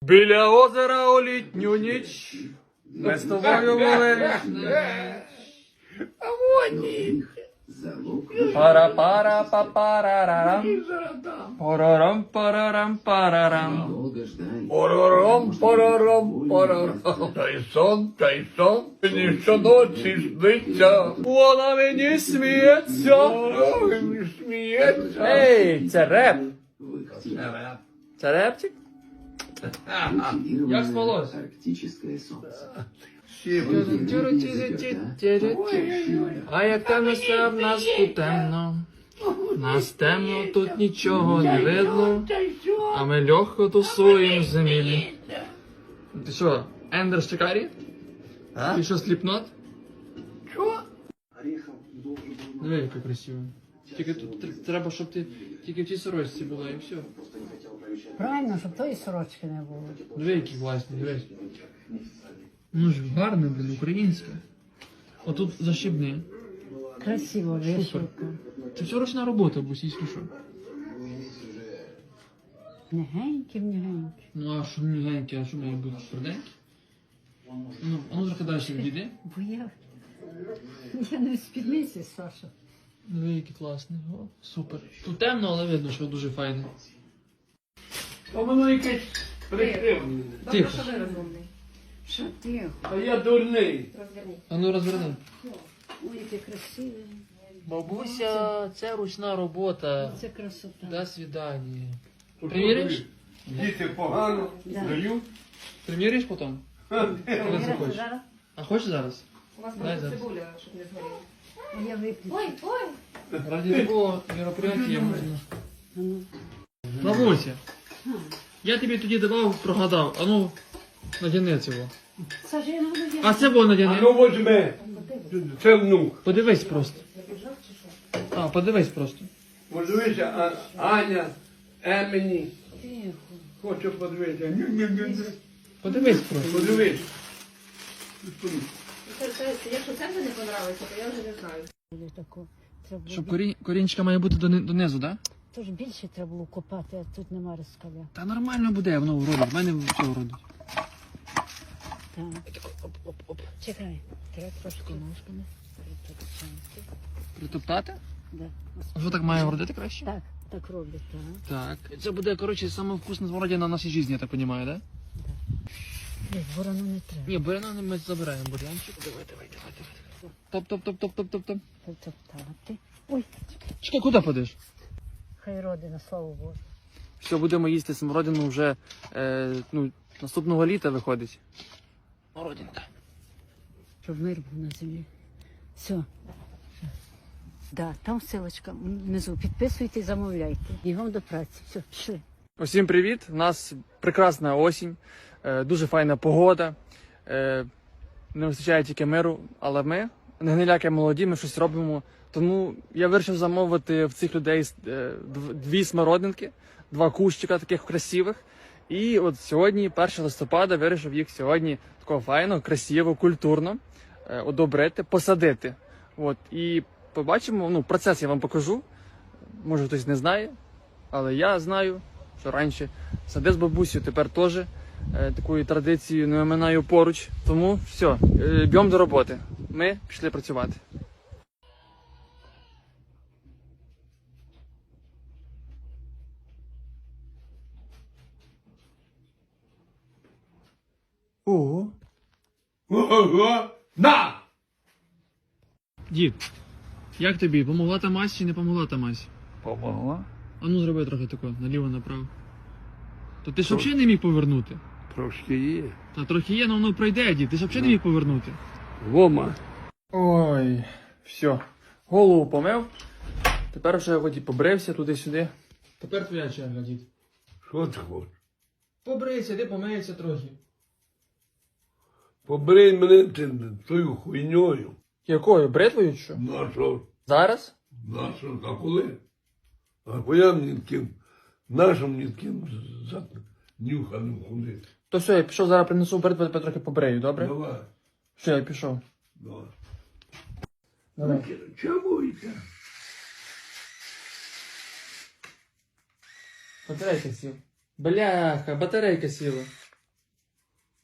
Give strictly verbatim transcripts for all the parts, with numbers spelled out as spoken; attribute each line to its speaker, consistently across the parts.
Speaker 1: Біля озера у літню ніч ми з тобою були. А вони. Пара-пара па-парарарам. Парарам парарам парарам. Парарам парарам парарам. Та й сон, та й сон. Мені щоночі сниться. Вона мені сміється. Мені сміється. Ей, це реп. Це репчик? Як спалось? А як темно все в нас тут темно. Нас темно, тут нічого не видно. А ми легко тусуємо в землі. Ти що, Ендер Шикарі? Ти що, сліпнот? Що? Диви, яка красиво. Тільки тут треба, щоб ти тільки в цій сорочці була і все.
Speaker 2: Правильно, щоб тої сорочки не було.
Speaker 1: Диви, які класні, дивись. Ну ж гарне, блін, українське. Отут защібни.
Speaker 2: Красиво, вишивка.
Speaker 1: Це все ручна робота, бусійсько що.
Speaker 2: Негенькі, негенькі.
Speaker 1: Ну а що мігеньке, а що має бути тверденьке? Ну, а ну трохи далі відійди.
Speaker 2: Бо я, я не в спідниці, Саша.
Speaker 1: Диви, який класний. О, супер. Тут темно, але видно, що дуже файне. А воно якесь прикривлене. Тихо.
Speaker 3: Що ви розумний?
Speaker 2: Що тихо?
Speaker 1: А я дурний.
Speaker 3: Розверніть.
Speaker 1: А ну розверни.
Speaker 2: Ой, яке красиве.
Speaker 1: Бабуся, це ручна робота.
Speaker 2: Це красота.
Speaker 1: До свидання. Приміриш?
Speaker 4: Діти погано,
Speaker 2: Да.
Speaker 4: дають.
Speaker 1: Приміриш потім? Коли
Speaker 2: Віра,
Speaker 1: захочеш.
Speaker 2: зараз?
Speaker 1: А хочеш зараз?
Speaker 3: У вас
Speaker 1: Дай
Speaker 3: там
Speaker 1: зараз.
Speaker 3: цибуля, щоб не згоріла.
Speaker 2: А я виключу.
Speaker 3: Ой, ой!
Speaker 1: Ради такого мероприятия можна.
Speaker 2: А ну.
Speaker 1: Бабуся, я тобі тоді давав, прогадав. А ну, надяни цього.
Speaker 2: Саша, я не буду я.
Speaker 1: А це було
Speaker 4: А
Speaker 1: надяни.
Speaker 4: ну возьми. Це внук.
Speaker 1: Подивись просто. А, подивись просто.
Speaker 4: Подивися, а, Аня, Емені.
Speaker 2: Тихо.
Speaker 4: Хочу подивитися. Ню-ню-ню-ню.
Speaker 1: Подивись просто.
Speaker 4: Подивись.
Speaker 3: Це- це- Якщо це вже не понравиться, то я вже не знаю.
Speaker 2: Було тако. Треба було
Speaker 1: Щоб
Speaker 2: бі-
Speaker 1: корінь, корінчика має бути дони- донизу, так? Да?
Speaker 2: Тож більше треба було копати, а тут нема розкаля.
Speaker 1: Та нормально буде, воно вродить. В мене все вродить.
Speaker 2: Так.
Speaker 1: Оп-оп-оп.
Speaker 2: Чекай. Треба трошки ножками. притопчати.
Speaker 1: Притоптати?
Speaker 2: Да.
Speaker 1: А що так має вродити краще?
Speaker 2: Так, так роблять, так.
Speaker 1: Так. Це буде, коротше, саме вкусна смородина в нашій житті, я так розумію, так? Да?
Speaker 2: Ні, ворону не треба.
Speaker 1: Ні, буряна ми забираємо, бурянчик. Давай, давай, давай, давай. Топ-топ-топ-топ-топ-топ.
Speaker 2: Притоптати. Ой,
Speaker 1: Чекай, куди подиш?
Speaker 2: хай родина, слава Богу.
Speaker 1: Все, будемо їсти смородину вже е, ну, наступного літа виходить. Смородинка.
Speaker 2: Щоб мир був на землі. Все. Да, там ссылочка внизу. Підписуйте, замовляйте. Бігом до праці. Все, пішли.
Speaker 1: Усім привіт! У нас прекрасна осінь, е, дуже файна погода. Е, не вистачає тільки миру, але ми, не гниляки молоді, ми щось робимо. Тому я вирішив замовити в цих людей е, дв- дві смородинки, два кущика таких красивих. І от сьогодні, першого листопада, вирішив їх сьогодні такого файно, красиво, культурно е, одобрити, посадити. От, і побачимо, ну, процес я вам покажу. Може хтось не знає, але я знаю, що раніше сади з бабусею, тепер теж е, такою традицією не оминаю поруч. Тому все, е, б'ємо до роботи. Ми пішли працювати. Ого.
Speaker 4: Ого! На!
Speaker 1: Дід, як тобі? Помогла та мазь чи не помогла та мазь?
Speaker 4: Помогла?
Speaker 1: А ну зроби трохи тако, наліво, направо. То ти ж взагалі не міг повернути?
Speaker 4: Трошки є.
Speaker 1: Та трохи є, але воно пройде, дід. Ти ж взагалі не міг повернути.
Speaker 4: Вома.
Speaker 1: Ой, все. Голову помив. Тепер вже хоч і побрився туди-сюди. Тепер твоя черга, дід.
Speaker 4: Що ти хочеш?
Speaker 1: Побрийся, ти помиється трохи.
Speaker 4: Побрий мене ти тою хуйньою.
Speaker 1: Якою? Бритвою чи що?
Speaker 4: На що?
Speaker 1: Зараз?
Speaker 4: На що? А коли? А коли мені таким, нашим мені таким за нюханим ходити?
Speaker 1: То все, я пішов, зараз принесу бритву, тебе трохи побрею, добре?
Speaker 4: Давай.
Speaker 1: Все, я пішов.
Speaker 4: Давай.
Speaker 1: Давай.
Speaker 4: Чому йде?
Speaker 1: Батарейка сіла. Бляха, батарейка сіла.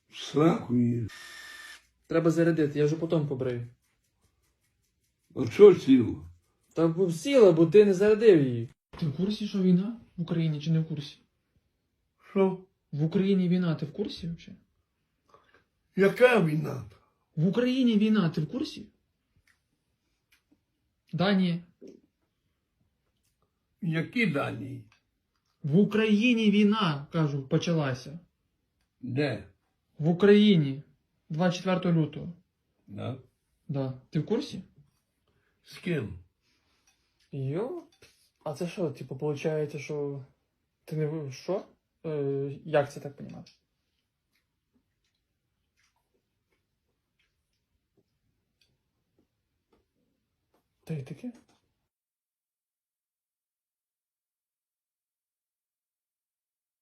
Speaker 4: Сраку її.
Speaker 1: Треба зарядити, я вже потім побрию.
Speaker 4: А що сіло?
Speaker 1: Та б сіла, бо ти не зарядив її. Ти в курсі, що війна в Україні чи не в курсі?
Speaker 4: Що?
Speaker 1: В Україні війна, ти в курсі взагалі?
Speaker 4: Яка війна?
Speaker 1: В Україні війна, ти в курсі? Да, ні.
Speaker 4: Які дані?
Speaker 1: В Україні війна, кажу, почалася.
Speaker 4: Де?
Speaker 1: В Україні. двадцять четвертого лютого.
Speaker 4: Да?
Speaker 1: Да. Ти в курсі?
Speaker 4: З ким?
Speaker 1: Йо? А це що, типу, виходить, що ти не ви- що? Е, як це так понімати? Та й таке?